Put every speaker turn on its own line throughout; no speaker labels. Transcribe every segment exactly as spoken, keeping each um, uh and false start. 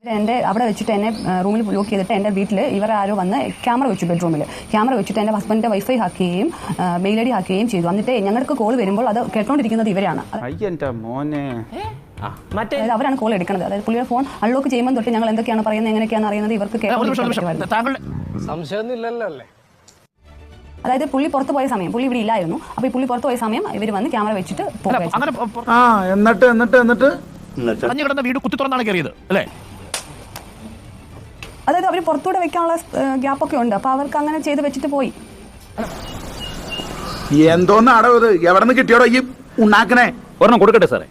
എന്റെ അവിടെ വെച്ചിട്ട് എന്നെ റൂമിൽ ലോക്ക് ചെയ്തിട്ട് എന്റെ വീട്ടിൽ ഇവർ ആരോ വന്ന് ക്യാമറ വെച്ചു ബെഡ്റൂമിൽ ക്യാമറ വെച്ചിട്ട് എന്റെ ഹസ്ബൻഡിന്റെ വൈഫൈ ഹാക്ക് ചെയ്യുകയും മെയിൽ ഐ ഡി ഹാക്ക് ചെയ്യുകയും ചെയ്തു. എന്നിട്ട് ഞങ്ങൾക്ക് കോൾ വരുമ്പോൾ അത് കേട്ടോണ്ടിരിക്കുന്നത് ഇവരാണ്. അതായത് അവരാണ് കോൾ എടുക്കുന്നത്. അതായത് പുള്ളിയുടെ ഫോൺ അൺലോക്ക് ചെയ്യുമ്പോൾ തൊട്ട് ഞങ്ങൾ എന്തൊക്കെയാണ് പറയുന്നത് എങ്ങനെയൊക്കെയാണ് അറിയുന്നത് ഇവർക്ക് അതായത് പുള്ളി പുറത്ത് പോയ സമയം പുള്ളി ഇവിടെ ഇല്ലായിരുന്നു. അപ്പൊ ഈ പുള്ളി പുറത്ത് പോയ സമയം ഇവർ വന്ന് ക്യാമറ വെച്ചിട്ട്
എന്നിട്ട് എന്നിട്ട് എന്നിട്ട്
വീട് കുത്തി തുറന്നാണ് കയറിയത് അല്ലേ?
അതായത് അവർ പുറത്തൂടെ വെക്കാനുള്ള ഗ്യാപ്പൊക്കെ ഉണ്ട്. അപ്പൊ അവർക്ക് അങ്ങനെ ചെയ്ത് വെച്ചിട്ട് പോയി.
എന്തോന്നാടോ ഇത്? എവിടെ നിന്ന് കിട്ടിയോടോ ഈ ഉണ്ടാക്കണേ?
ഒരെണ്ണം കൊടുക്കട്ടെ സാറേ.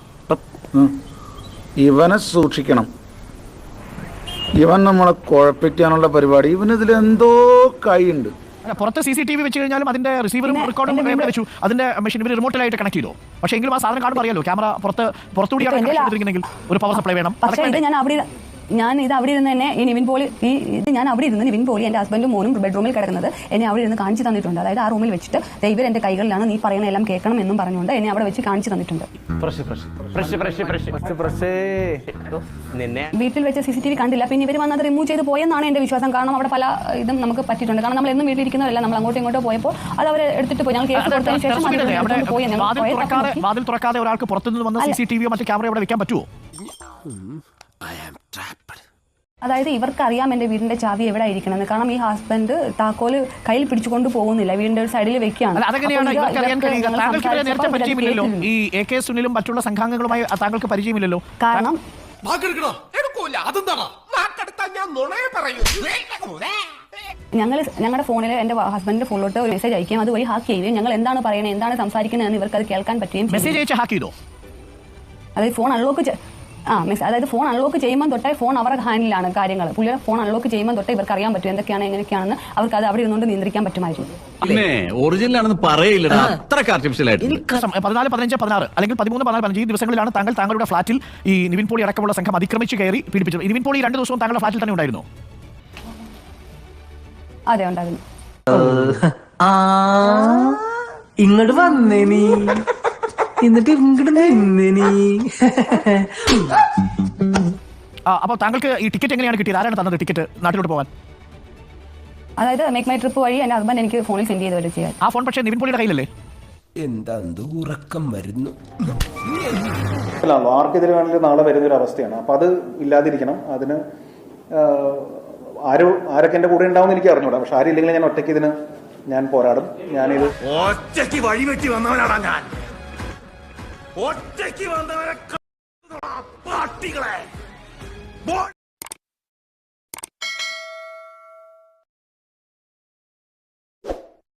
ഇവനെ സൂക്ഷിക്കണം. ഇവൻ നമ്മളെ കുഴപ്പിക്കാനുള്ള പരിപാടി. ഇവനിതിൽ എന്തോ കൈയുണ്ട്.
പുറത്ത് സി സി ടി വി വെച്ച് കഴിഞ്ഞാലും അതിന്റെ റിസീവറും റെക്കോർഡും വെച്ചു അതിന്റെ മെഷീൻ ഇവർ റിമോട്ടിലായിട്ട് കണക്ട് ചെയ്തു. പക്ഷേ എങ്കിലും ആ സാധനം കാണുമ്പോൾ അറിയാലോ ക്യാമറ പുറത്ത് പുറത്തുകൂടിയാണ് ഒരു പവർ സപ്ലൈ വേണം.
പക്ഷേ ഇത് ഞാൻ അവിടെ ഞാൻ ഇത് അവിടെ ഇരുന്ന് തന്നെ ഈ നിവിൻ പോളി ഈ ഇത് ഞാൻ അവിടെ ഇരുന്ന് നിവിൻ പോളി എന്റെ ഹസ്ബൻഡും മോനും ബെഡ്റൂമിൽ കിടക്കുന്നത് എന്നെ അവിടെ ഇരുന്ന് കാണിച്ചു തന്നിട്ടുണ്ട്. അതായത് ആ റൂമിൽ വെച്ചിട്ട് ദൈവം എന്റെ കൈകളിലാണ് നീ പറയുന്ന എല്ലാം കേൾക്കണം എന്നും പറഞ്ഞുകൊണ്ട് എന്നെ അവിടെ വെച്ച് കാണിച്ചു തന്നിട്ടുണ്ട്. വീട്ടിൽ വെച്ച് സി സി ടി വി കണ്ടില്ല. പിന്നെ ഇവർ വന്നത് റിമൂവ് ചെയ്ത് പോയെന്നാണ് എന്റെ വിശ്വാസം. കാരണം അവിടെ പല ഇതും നമുക്ക് പറ്റിയിട്ടുണ്ട്. കാരണം നമ്മൾ എന്നും വീട്ടിലിരിക്കുന്നവരല്ല, നമ്മൾ അങ്ങോട്ടും ഇങ്ങോട്ടോ പോയപ്പോൾ അത് അവർ എടുത്തിട്ട് പോയി. ഞങ്ങൾ കേസ് കൊടുത്തതിന് ശേഷം
വാതിൽ തുറക്കാതെ ഒരാൾക്ക് പുറത്തുനിന്ന് വന്ന സി സി ടി വിയോ മറ്റു ക്യാമറ അവിടെ വെക്കാൻ പറ്റുമോ?
അതായത് ഇവർക്ക് അറിയാം എന്റെ വീടിന്റെ ചാവി എവിടെ ഇരിക്കണമെന്ന്. കാരണം ഈ ഹസ്ബൻഡ് താക്കോല് കയ്യിൽ പിടിച്ചുകൊണ്ട് പോകുന്നില്ല, വീടിന്റെ ഒരു സൈഡിൽ വെക്കുകയാണ്.
ഈ എ കെ സുനിലും മറ്റുള്ള സംഘാംഗങ്ങളുമായി താങ്കൾക്ക് പരിചയമില്ലല്ലോ.
കാരണം ഞങ്ങൾ ഞങ്ങളുടെ ഫോണിൽ എന്റെ ഹസ്ബൻഡിന്റെ ഫോണിലോട്ട് ഒരു മെസ്സേജ് അയക്കുകയും അതുവഴി ഹാക്ക് ചെയ്യുകയും ഞങ്ങൾ എന്താണ് പറയുന്നത് എന്താണ് സംസാരിക്കുന്നത് എന്ന് ഇവർക്ക് അത് കേൾക്കാൻ പറ്റുകയും
മെസ്സേജ് അയച്ച് ഹാക്ക് ചെയ്തോ?
അതായത് ഫോൺ അൺലോക്ക് ആ മിസ് അതായത് ഫോൺ അൺലോക്ക് ചെയ്യുമ്പോൾ തൊട്ടേ ഫോൺ അവരുടെ ഹാൻഡിലാണ് കാര്യങ്ങൾ. പുള്ളിയുടെ ഫോൺ അൺലോക്ക് ചെയ്യുമ്പോൾ തൊട്ടേ ഇവർക്ക് അറിയാൻ പറ്റും എന്തൊക്കെയാണ് എങ്ങനെയൊക്കെയാണെന്ന്. അവർക്ക് അത് അവിടെ ഇരുന്നുകൊണ്ട് നിയന്ത്രിക്കാൻ പറ്റുമായിരുന്നു.
പതിനാല് പതിനഞ്ച് പതിനാറ് അല്ലെങ്കിൽ പതിമൂന്ന് പതിനാല് പതിനഞ്ച് ഈ ദിവസങ്ങളിലാണ് താങ്കൾ താങ്കളുടെ ഫ്ളാറ്റിൽ ഈ നിവിൻ പോളി അടക്കമുള്ള സംഘം അതിക്രമിച്ച് കയറി പീഡിപ്പിച്ചത്. നിവിൻ പോളി രണ്ട് ദിവസവും താങ്കളുടെ ഫ്ളാറ്റിൽ തന്നെ ഉണ്ടായിരുന്നു?
അതെ, ഉണ്ടായിരുന്നു.
ഇങ്ങോട്ട് വന്നേ നീ എന്നിട്ട് ഇങ്ങോട്ട് നിന്നേ നീ.
അപ്പോൾ താങ്കൾക്ക് ഈ ടിക്കറ്റ് എങ്ങനെയാണ് കിട്ടിയത്? ആരാണ് തന്നത് ടിക്കറ്റ് നാട്ടിലോട്ട് പോകാൻ?
അതായത് മേക്ക് മൈ ട്രിപ്പ് വഴി എന്റെ ഹസ്ബൻഡ് എനിക്ക് ഫോണിൽ സെൻഡ് ചെയ്ത് ചെയ്യാൻ.
ആ ഫോൺ പക്ഷേ നിവിൻ പോളിയുടെ കയ്യിലല്ലേ?
എന്താ ഉറക്കം വരുന്നു.
ആർക്കെതിരെ വേണമെങ്കിലും നാളെ വരുന്നൊരു അവസ്ഥയാണ്. അപ്പൊ അത് ഇല്ലാതിരിക്കണം. അതിന് ആരോ ആരൊക്കെ എന്റെ കൂടെ ഉണ്ടാവും എനിക്ക് അറിഞ്ഞൂടാ. പക്ഷെ ആരും ഇല്ലെങ്കിൽ ഞാൻ ഒറ്റയ്ക്ക് ഇതിന് ഞാൻ പോരാടും. ഞാനിത്
ഒറ്റയ്ക്ക് വഴിവെട്ടി വന്നവനാടാ ഞാൻ. ഒറ്റയ്ക്ക് വന്നവരെ പാട്ടികളെ